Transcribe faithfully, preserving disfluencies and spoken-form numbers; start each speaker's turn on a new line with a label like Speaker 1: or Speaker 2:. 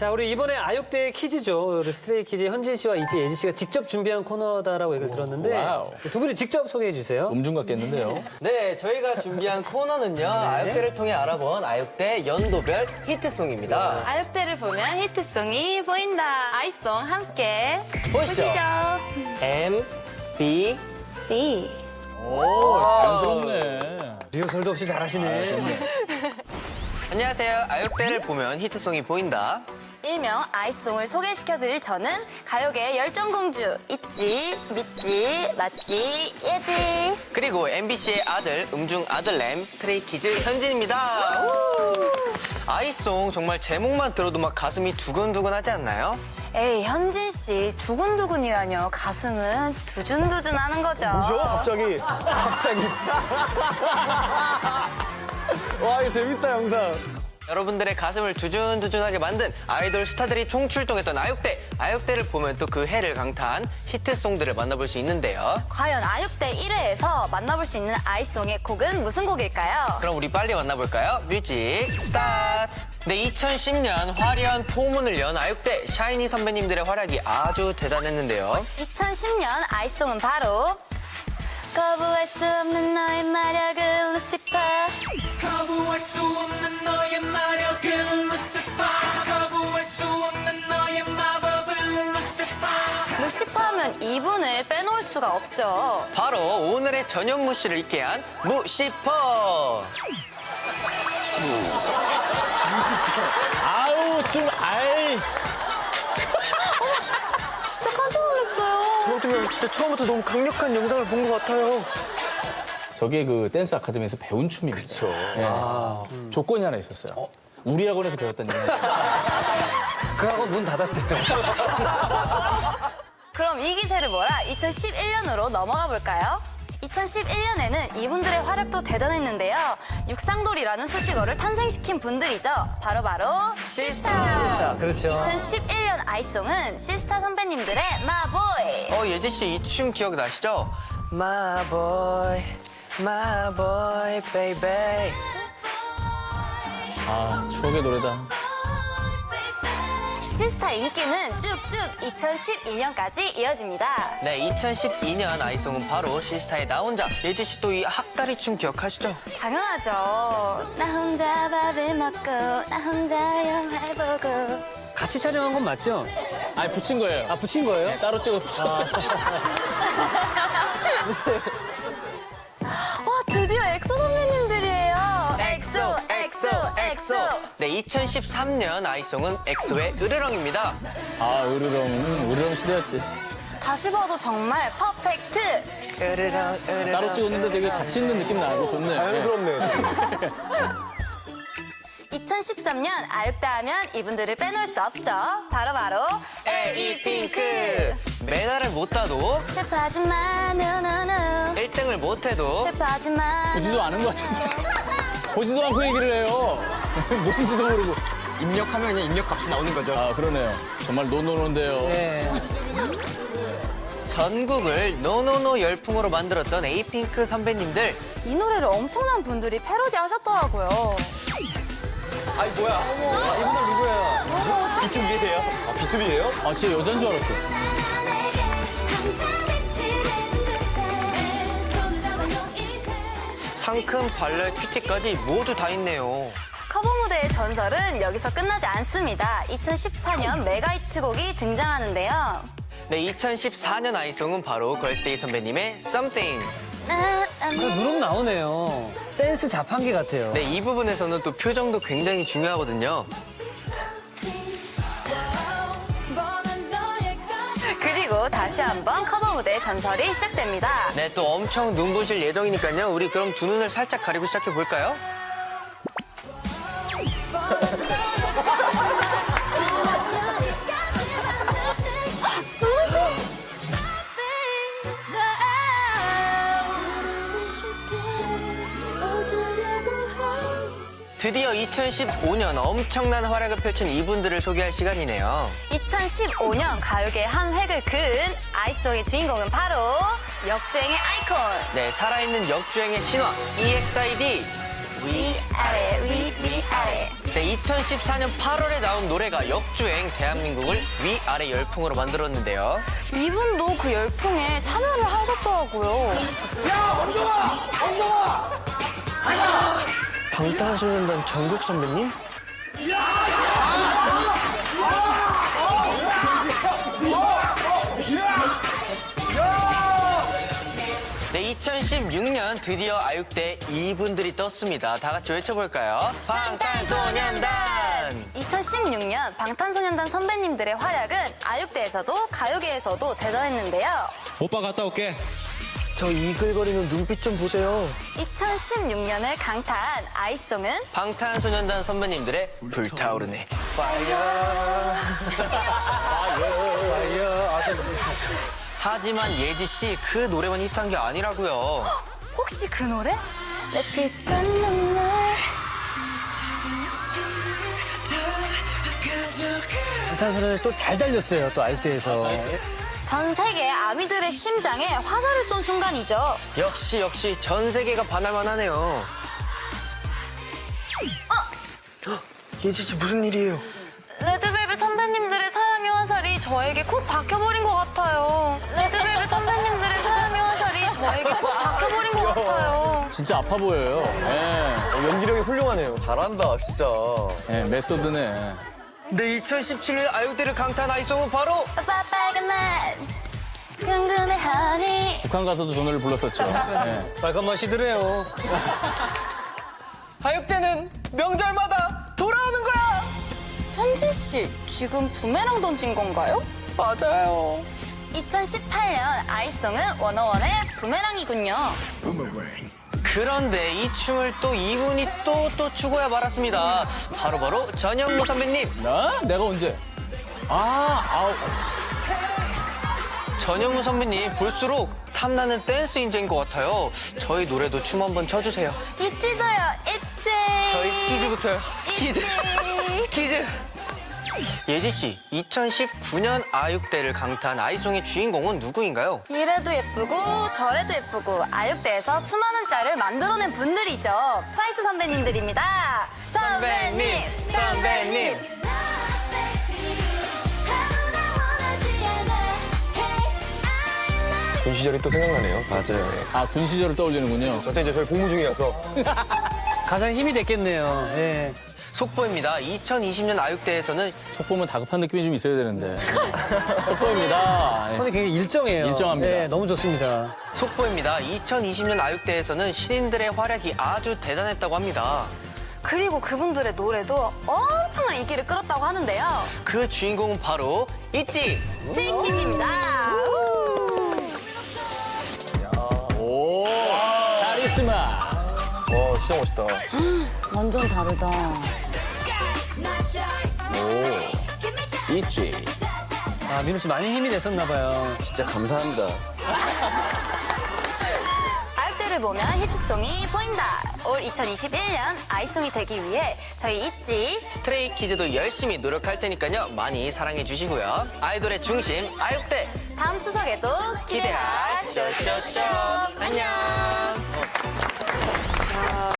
Speaker 1: 자, 우리 이번에 아육대 퀴즈죠. 우리 스트레이키즈 현진 씨와 이제 예지 씨가 직접 준비한 코너다라고 얘기를 들었는데
Speaker 2: 와우.
Speaker 1: 두 분이 직접 소개해 주세요.
Speaker 2: 음중 같겠는데요.
Speaker 3: 네, 저희가 준비한 코너는요. 아육대를 통해 알아본 아육대 연도별 히트송입니다.
Speaker 4: 아육대를 보면 히트송이 보인다. 아이송 함께
Speaker 3: 보시죠. M, B,
Speaker 4: C.
Speaker 2: 오, 자연스럽네.
Speaker 1: 리허설도 없이 잘하시네.
Speaker 3: 안녕하세요. 아육대를 보면 히트송이 보인다.
Speaker 4: 일명 아이송을 소개시켜드릴 저는 가요계의 열정공주 있지, 믿지, 맞지, 예지.
Speaker 3: 그리고 엠비씨의 아들, 음중 아들램, 스트레이키즈 현진입니다. 우! 아이송 정말 제목만 들어도 막 가슴이 두근두근하지 않나요?
Speaker 4: 에이, 현진 씨, 두근두근이라뇨. 가슴은 두준두준 하는 거죠.
Speaker 5: 뭐죠? 갑자기. 갑자기. 와, 이거 재밌다, 영상.
Speaker 3: 여러분들의 가슴을 두준두준하게 만든 아이돌 스타들이 총출동했던 아육대. 아육대를 보면 또 그 해를 강타한 히트송들을 만나볼 수 있는데요.
Speaker 4: 과연 아육대 일 회에서 만나볼 수 있는 아이송의 곡은 무슨 곡일까요?
Speaker 3: 그럼 우리 빨리 만나볼까요? 뮤직 스타트! 네, 이천십 년 화려한 포문을 연 아육대 샤이니 선배님들의 활약이 아주 대단했는데요.
Speaker 4: 이천십 년 아이송은 바로 거부할 수 없는 너의 마력은 루시퍼.
Speaker 6: 거부할 수 없는 너의 마력은 루시퍼. 거부할 수 없는 너의 마법은 루시퍼.
Speaker 4: 루시퍼 하면 이분을 빼놓을 수가 없죠.
Speaker 3: 바로 오늘의 저녁 무시를 잊게 한 무시퍼!
Speaker 2: 아우, 좀, 아이.
Speaker 4: 진짜 깜짝 놀랐어요.
Speaker 3: 저도요, 진짜 처음부터 너무 강력한 영상을 본 것 같아요.
Speaker 2: 저게 그 댄스 아카데미에서 배운 춤입니다. 그쵸. 아, 음. 조건이 하나 있었어요. 우리 학원에서 배웠다는 얘기.
Speaker 1: 그 학원 문 닫았대요.
Speaker 4: 그럼 이 기세를 몰아 이천십일 년으로 넘어가 볼까요? 이천십일 년에는 이분들의 활약도 대단했는데요. 육상돌이라는 수식어를 탄생시킨 분들이죠. 바로바로 시스타.
Speaker 1: 자, 그렇죠.
Speaker 4: 이천십일 년 아이송은 시스타 선배님들의 마보이.
Speaker 3: 어, 예지씨 이 춤 기억나시죠? My boy, my boy, baby.
Speaker 2: 아, 추억의 노래다.
Speaker 4: 시스타 인기는 쭉쭉 이천십이 년까지 이어집니다.
Speaker 3: 네, 이천십이 년 아이송은 바로 시스타의 나 혼자. 예지씨 또 이 학다리 춤 기억하시죠?
Speaker 4: 당연하죠. 나 혼자 밥을 먹고 나 혼자 영화를 보고.
Speaker 1: 같이 촬영한 건 맞죠?
Speaker 2: 아니, 붙인 거예요.
Speaker 1: 아, 붙인 거예요?
Speaker 2: 네, 따로 찍어 붙였어요.
Speaker 4: 와, 드디어 엑소 선배님들이에요. 엑소, 엑소, 엑소.
Speaker 3: 네, 이천십삼 년 아이송은 엑소의 으르렁입니다.
Speaker 2: 아, 으르렁, 으르렁 시대였지.
Speaker 4: 다시 봐도 정말 퍼펙트.
Speaker 3: 으르렁, 으르렁.
Speaker 2: 따로 찍었는데 되게 같이 있는 느낌 나고 좋네.
Speaker 5: 자연스럽네.
Speaker 4: 이천십삼 년 아육대 하면 이분들을 빼놓을 수 없죠. 바로바로 에이핑크.
Speaker 3: 메달을 못 따도
Speaker 4: 슬퍼하지 마, 노노노.
Speaker 3: 일 등을 못 해도
Speaker 4: 슬퍼하지 마.
Speaker 2: 보지도 않은 것 같은데. 보지도 않고 얘기를 해요. 뭔지도 모르고.
Speaker 3: 입력하면 그냥 입력값이 나오는 거죠.
Speaker 2: 아, 그러네요. 정말 노노노인데요.
Speaker 1: 네.
Speaker 3: 전국을 노노노 열풍으로 만들었던 에이핑크 선배님들.
Speaker 4: 이 노래를 엄청난 분들이 패러디 하셨더라고요.
Speaker 3: 아이 뭐야?
Speaker 1: 아, 이분들 누구예요?
Speaker 3: 비투비예요.
Speaker 5: 아, 비투비예요?
Speaker 2: 아, 진짜 여잔 줄 알았어.
Speaker 3: 상큼, 발랄, 큐티까지 모두 다 있네요.
Speaker 4: 커버 무대의 전설은 여기서 끝나지 않습니다. 이천십사 년 메가히트곡이 등장하는데요.
Speaker 3: 네, 이천십사 년 아이송은 바로 걸스데이 선배님의 Something.
Speaker 4: 나,
Speaker 1: 그 누름 나오네요. 댄스 자판기 같아요.
Speaker 3: 네, 이 부분에서는 또 표정도 굉장히 중요하거든요.
Speaker 4: 그리고 다시 한번 커버 무대의 전설이 시작됩니다.
Speaker 3: 네, 또 엄청 눈부실 예정이니까요. 우리 그럼 두 눈을 살짝 가리고 시작해 볼까요? 드디어 이천십오 년 엄청난 활약을 펼친 이분들을 소개할 시간이네요.
Speaker 4: 이천십오 년 가요계의 한 획을 그은 아이송의 주인공은 바로 역주행의 아이콘.
Speaker 3: 네, 살아있는 역주행의 신화 이엑스아이디.
Speaker 4: 위아래 위 위아래
Speaker 3: 네, 이천십사 년 팔월에 나온 노래가 역주행 대한민국을 위아래 열풍으로 만들었는데요.
Speaker 4: 이분도 그 열풍에 참여를 하셨더라고요.
Speaker 3: 방탄소년단 정국 선배님? 네, 이천십육 년 드디어 아육대 이분들이 떴습니다. 다 같이 외쳐볼까요? 방탄소년단!
Speaker 4: 이천십육 년 방탄소년단 선배님들의 활약은 아육대에서도 가요계에서도 대단했는데요.
Speaker 5: 오빠 갔다 올게.
Speaker 3: 저 이글거리는 눈빛 좀 보세요.
Speaker 4: 이천십육 년을 강타한 아이송은
Speaker 3: 방탄소년단 선배님들의 불타오르네. 하지만 예지 씨 그 노래만 히트한 게 아니라고요.
Speaker 4: 혹시 그 노래? 내 피땀 눈물
Speaker 1: 방탄소년단이 또 잘 달렸어요. 또 아육대에서.
Speaker 4: 전 세계 아미들의 심장에 화살을 쏜 순간이죠.
Speaker 3: 역시 역시 전 세계가 반할만 하네요. 예지 씨 무슨 일이에요?
Speaker 4: 레드벨벳 선배님들의 사랑의 화살이 저에게 콕 박혀버린 것 같아요. 레드벨벳 선배님들의 사랑의 화살이 저에게 콕 박혀버린 것 같아요.
Speaker 2: 진짜 아파 보여요. 예.
Speaker 5: 연기력이 훌륭하네요. 잘한다, 진짜.
Speaker 2: 예, 메소드네.
Speaker 3: 네, 이천십칠 년 아육대를 강타한 아이송은 바로
Speaker 4: 오빠 빨간 맛 궁금해하니
Speaker 2: 북한 가서도 저 노래를 불렀었죠. 예.
Speaker 1: 빨간 맛이 드네요.
Speaker 3: 아육대는 명절마다 돌아오는 거야!
Speaker 4: 현지 씨 지금 부메랑 던진 건가요?
Speaker 3: 맞아요.
Speaker 4: 이천십팔 년 아이송은 워너원의 부메랑이군요.
Speaker 3: 그런데 이 춤을 또 이분이 또 또 추고야 말았습니다. 바로바로 전현무 선배님.
Speaker 2: 나? 내가 언제? 아, 아우.
Speaker 3: 전현무 선배님 볼수록 탐나는 댄스 인재인 것 같아요. 저희 노래도 춤 한번 춰주세요.
Speaker 4: 있지도요 있지
Speaker 3: 저희 스키즈부터요. 스키즈.
Speaker 4: 있지.
Speaker 3: 스키즈. 예지 씨, 이천십구 년 아육대를 강타한 아이송의 주인공은 누구인가요?
Speaker 4: 이래도 예쁘고 저래도 예쁘고 아육대에서 수많은 짤을 만들어낸 분들이죠. 트와이스 선배님들입니다. 선배님, 선배님.
Speaker 5: 군 시절이 또 생각나네요. 맞아요.
Speaker 2: 아, 군 시절을 떠올리는군요.
Speaker 5: 저때 이제 저희 복무 중이라서.
Speaker 1: 가장 힘이 됐겠네요. 예.
Speaker 3: 속보입니다. 이천이십 년 아육대에서는
Speaker 2: 속보면 다급한 느낌이 좀 있어야 되는데. 속보입니다. 예.
Speaker 1: 손이 굉장히 일정해요.
Speaker 2: 일정합니다.
Speaker 1: 예, 너무 좋습니다.
Speaker 3: 속보입니다. 이천이십 년 아육대에서는 신인들의 활약이 아주 대단했다고 합니다.
Speaker 4: 그리고 그분들의 노래도 엄청난 인기를 끌었다고 하는데요.
Speaker 3: 그 주인공은 바로 있지.
Speaker 4: 스위키즈입니다.
Speaker 2: 오, 카리스마.
Speaker 5: 와, 진짜 멋있다.
Speaker 4: 완전 다르다.
Speaker 2: 있지.
Speaker 1: 아, 민호 씨 많이 힘이 됐었나 봐요.
Speaker 5: 진짜 감사합니다.
Speaker 4: 아육대를 보면 히트송이 보인다. 올 이천이십일 년 아이송이 되기 위해 저희 있지.
Speaker 3: 스트레이키즈도 열심히 노력할 테니까요. 많이 사랑해 주시고요. 아이돌의 중심 아육대
Speaker 4: 다음 추석에도 기대하
Speaker 3: 기대하 쇼쇼쇼. 안녕.